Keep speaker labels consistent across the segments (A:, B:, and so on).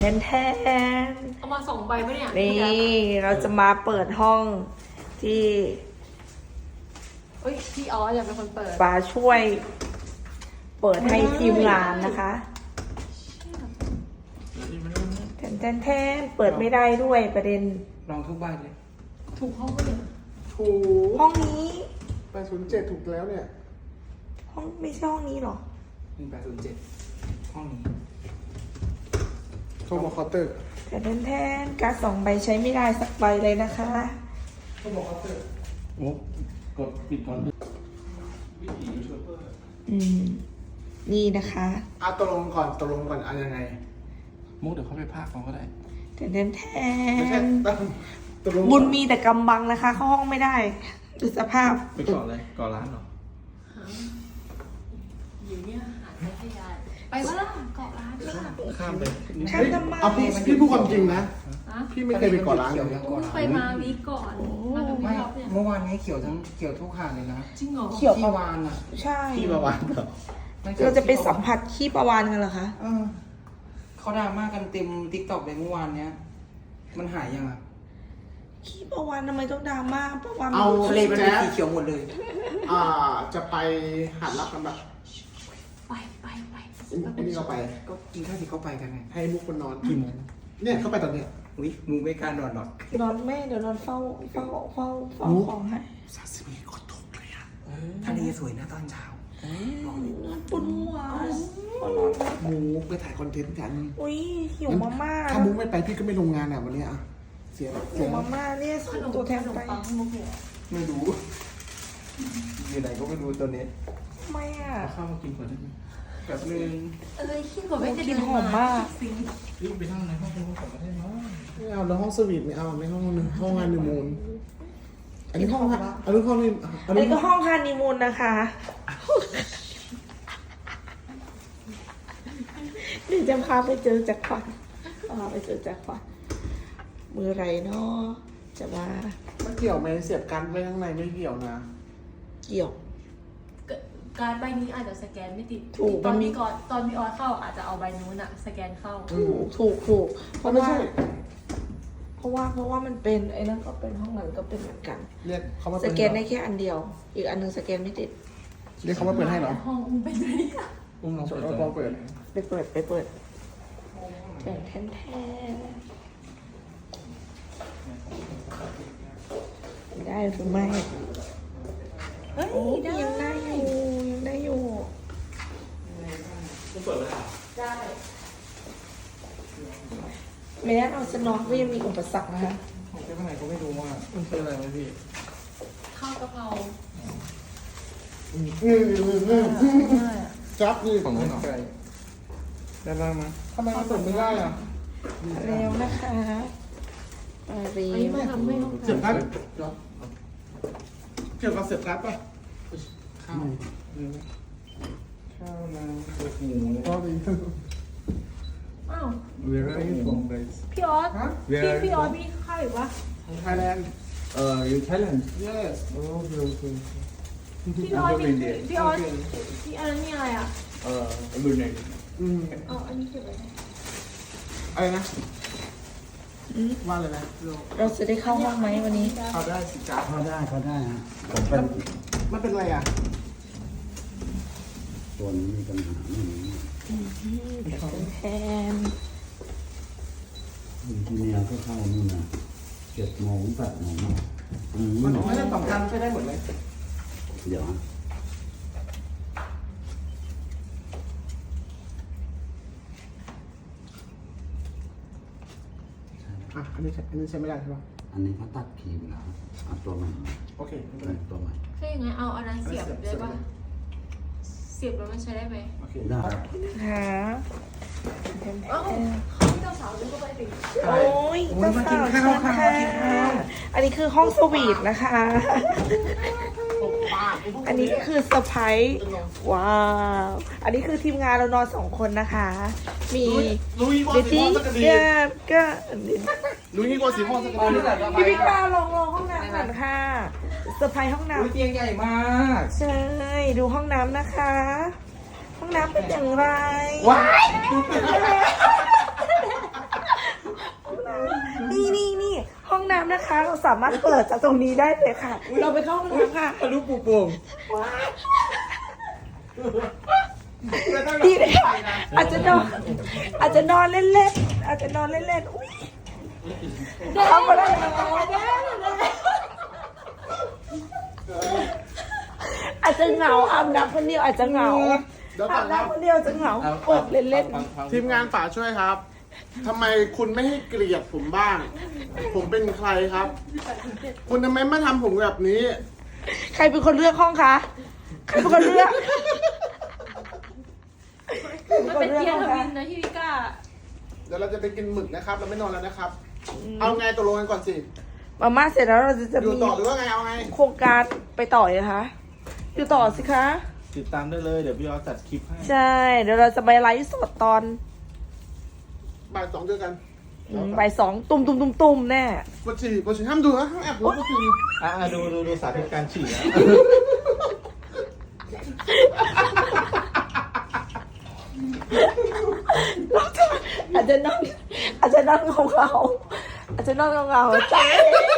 A: แทน
B: เอามา2 ใบปะเนี่ย
A: นี่เราจะมาเปิดห้องที่
B: พี่ออสอยากเป็นคนเปิด
A: ปาช่วยเปิดให้ทีมงานนะคะแทนเปิดไม่ได้ด้วยประเด็น
C: ลองทุกใบเลย
B: ถูกห้องก็เลย
D: ถูก
A: ห้องนี้
D: 807ถูกแล้วเนี่ย
A: ห้องไม่ใช่ห้องนี้หรอ
C: 1807ห้องนี้
D: โทรมาเคาน์เตอร์
A: แทนการ์ด2 ใบใช้ไม่ได้สักใบเลยนะคะ
D: โทรมาเคาน์เตอร์
C: โอ้กดปิดก่อนวิถียูทูบเบอร์
A: นี่นะคะ
D: ตกลงก่อนยังไง
C: มุกเดี๋ยวเขาไปพากเขาก็ได้
A: แทนบุญมีแต่กำบังนะคะเข้าห้องไม่ได้ดูสภาพ
C: ไปก่อนเลยก่อนร้านเหรอ
B: อยู่เนี่ยหาไม่ได้ไปว่าล่ะเกาะร้าน
C: ข้ามไป
A: ข้ามทำไม
D: พี่พูดความจริงนะพี่ไม่เคยไปเกาะร้านเลย
B: ไปมาวีก่อน
C: ไม่เมื่อวานนี้เขียวทุกหาดเลยนะ
B: จริงเหรอ
A: เขียว
C: ที่วานอ่ะ
A: ใช่
D: ที่ประวาน
A: เราจะไปสัมผัสขี้ประวานกันเหรอคะ
C: เขาดราม่ากันเต็มติ๊กต็อกเลยเมื่อวานเนี้ยมันหายยังอ่ะ
A: ขี้ประวานทำไมต้องดราม่าประวาน
D: เอา
C: ทะเลเป็นสีเขียวหมดเลย
D: จะไปหาดรับกันแบบ
B: ไป
D: อันนี้เราไป
C: ก็กินข้าวที่เขาไปกันไง
D: ให้มุกคนนอนกี่โมงเนี่ยเขาไปตอนเนี้ย
C: อุ้ยมึงไม่กล้านอนหรอก
A: นอนแม่เดี๋ยวนอนเฝ้าของให้
D: 31คนถูกเลยอ่ะ
C: ทะเลสวยนะตอนเช้า
A: ปวดหัว
D: มุกไปถ่ายคอนเทนต์กัน
A: อุ้ยหิวมาม่า
D: ถ้ามุกไม่ไปพี่ก็ไม่ลงงานอ่ะวันนี้อ่ะเสีย
A: หิวมาม่าเนี่ยส่งตัวแทนไป
C: ไม่รู้อยู่ไหนก็ไม่รู้ตอนนี้
A: ไม่อ่ะ
C: ข้าวมากินก่อนได้ไหมแบบนึง
B: ขี้กว่าไม่จะ
A: กินหอมมาก
C: รีบไปนั่งในห้องก่อนก็ได้เนาะ
D: ไม่เอาแล้วห้องสวีทไม่เอาในห้องงานนิมูลอันนี้ห้องนี่
A: อันนี้ก็ห้องฮันนีมูนนะคะนี่จะพาไปเจอแจ็คพอตไปเจอแจ็คพอตมือไรเนาะจะว่า
D: มันเกี่ยวไหมเสียบกันไว้ข้างในไม่เกี่ยวนะ
A: เกี่ยว
B: การใบนี้อาจจะสแกนไม่ติดตอนพี่ออสเข้าอาจจะเอาใบนู้นอะสแกนเข้า
A: ถูกเพราะว่ามันเป็นไอ้นั่นก็เป็นห้องนั้นก็เป็นเหมือนกัน
D: เรียกเขามา
A: สแกนได้แค่อันเดียวอีกอันนึงสแกนไม่ติด
D: เรียกเขามาเปิดให้เหรอ
B: ห้องเป็นไง
C: ลอง
D: เปิด
A: ไปเปิดแทนได้หรือไม่ยังได้อยู่
C: คุณเปิดไหม
A: ได้ไม่ได้เอาจะนอนก็ยังมีอุปสรรคนะคะ
C: ผมจะไปไหนก็ไม่รู้ว่ามันคืออะไรไหมพี่
B: ข้าวกะเพรา
D: จับนี่
C: ของไก่ได้บ้างไหม
D: ทำไมมันเปิดไม่ได้อ่ะ
A: เร็วนะคะเร็ว
D: เสียบกันเกี่ยวกับเสียบกันป่ะ
C: ข้าวน้ำหมู
D: ก็ดี
B: อ้าว
C: Where are you from guys
B: พี่ออสมีข้าวอีกวะ
D: Thailand
C: you Thailand
D: yes
C: okay
B: พี่ออสพี่อันนั้นนี่อะไรอ่ะ
C: Brunei
B: อันนี้เก็บไว้
D: อะไรนะว่าเลยนะ
A: เราจะได้เข้าห้องไหมวันนี้
D: เข้าได้สิจ้า
C: เข้าได้ฮะ
D: มันเป็นอะไรอ่ะ
C: ตัวนี้มีปัญหาไม่มี
A: แทน
C: ทีนี้ก็เข้านี่นะ7 โมง 8 โมง
D: มันไม่ได้2 กันใช้ได้หมดเลย
C: เดี๋ยว
D: อันนี้ใช้ไม่ได้ใช่ป่ะ
C: อันนี้เขาตัดคีย์แล้วเอาตัวใหม่
D: โอเค
C: ตัวใหม่
B: ใช่ยังไงเอาอันนั้นเสียบได้ป่ะเสียบแล้วมันใช้ได้ไหม
D: โอเค
C: ได้
B: พี่เจ้าสาวดึงเข้าไปดิ
A: โอ้ยเจ้าสาวค่ะอันนี้คือห้องสวีทนะคะอันนี้คือเซอร์ไพรส์ว้าวอันนี้คือทีมงานเรานอน2 คนนะคะมีเบตี้ก็
D: ลุยนี่กว่าสีม่วงสักคน
A: พี่พิการลงห้องน้ำก่อนค่ะเซอร์ไพรส์ห้องน้ำ
C: เตียงใหญ่มาก
A: ใช่ดูห้องน้ำนะคะห้องน้ำเป็นอย่างไร
D: ว้าย
A: นะคะ เราสามารถเปิดจากตรงนี้ได้เลยค่ะ เราไปเข้าห้องน้ำค่ะ
D: ทะลุปูโป่ง
A: ดีเลยค่ะอาจจะนอนเล่นๆอาจจะนอนเล่นๆอุ้ยเข้ามาได้อาจจะเหงาอาบน้ำคนเดียวอาจจะเหงา
D: เดี๋ยว
A: อา
D: ก่อบ นครับ
A: น้ำคนเดียวจะเหงาเปิดเล่น
D: ทีมงานฝาช่วยครับทำไมคุณไม่ให้เกลียดผมบ้าง ผมเป็นใครครับ คุณทำไมไม่ทำผมแบบนี้
A: ๆใครเป็นคนเลือกห้องคะใครเป็นคนเลือก
B: มันเป็นเทียร์ทวินนะที่วิก้า
D: เดี๋ยวเราจะไปกินหมึกนะครับ เราไม่นอนแล้วนะครับ เอาไงตกลงกันก่อนสิ
A: มาม่าเสร็จแล้วเราจะ
D: อยู่
A: มี
D: ต่อหรือว่าไง เอาไง
A: โครงการไปต่อเลยคะอยู่ต่อสิคะ
E: ติดตามได้เลยเดี๋ยวพี่ออสจัดคลิปให้
A: ใช่ เดี๋ยวเราจะไปไลฟ์สดตอน
D: บ่าย 2เจอกัน
A: บ่าย2ตุ่มแน่
D: ปวดฉี่ห้ามดูนะห้ามแอบดูปวดฉี่
E: ดูสาธิตการฉี่นะ
A: อาจจะนอนเงาๆอาจจะนอนเงาๆจ้า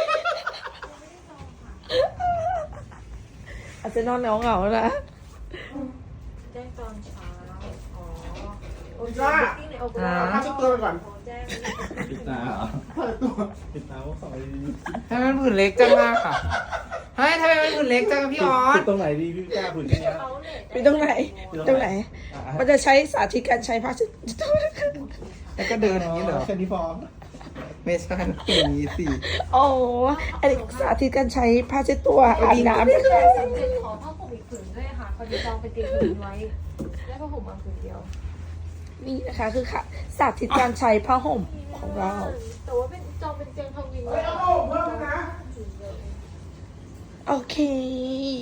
A: อาจจะนอนเงาๆนะ
B: แจ้งตอนเช้า อ๋อ โอเค
D: จ้า
B: ที่ในโอเป
A: อ่า
B: ร่า
D: เอาผ้าเช็ดตัวไปก่อน
B: แจ้ง
E: ปิดตาเหรอ
D: ผ้าเช็ดตัว
E: ปิดตาว่าสองดี
C: ทำไมมันผื่นเล็กจังอะค่ะเฮ้ยทำไมมันผื่นเล็กจังอะพี่ออส
E: ปิดตรงไหนดีพี่กล้าผื่นแค่เนี้ย
B: เขาเนี่ย
A: ไปตรงไหน ตรงไหน มันจะใช้สาธิตการใช้ผ้าเช็ดตัว
C: แล้วก็เดินอย่างนี้เหรอ
E: แค่นี้พอ
C: ไม่ใช่มันเป็นอย่างนี้สิ
A: โอ้อันนี้สาธิตการใช้ผ้าเช็ดตัวอาบน้ำนะคะ
B: สำเร็จขอผ้าห่มอีกผืนด้วยค่ะพอดีจองไปเตรียมผืนไว้ ได้ผ้าห่มมาผืนเดียว
A: นี่นะคะคือค่ะสาธิตการใช้ผ้าห่มของเรา
B: แต่ว่าเป็นจองเป็นเตียงทวิน
D: เฮ้ยเอาผ้าห่มเพิ่มนะ
A: โอเค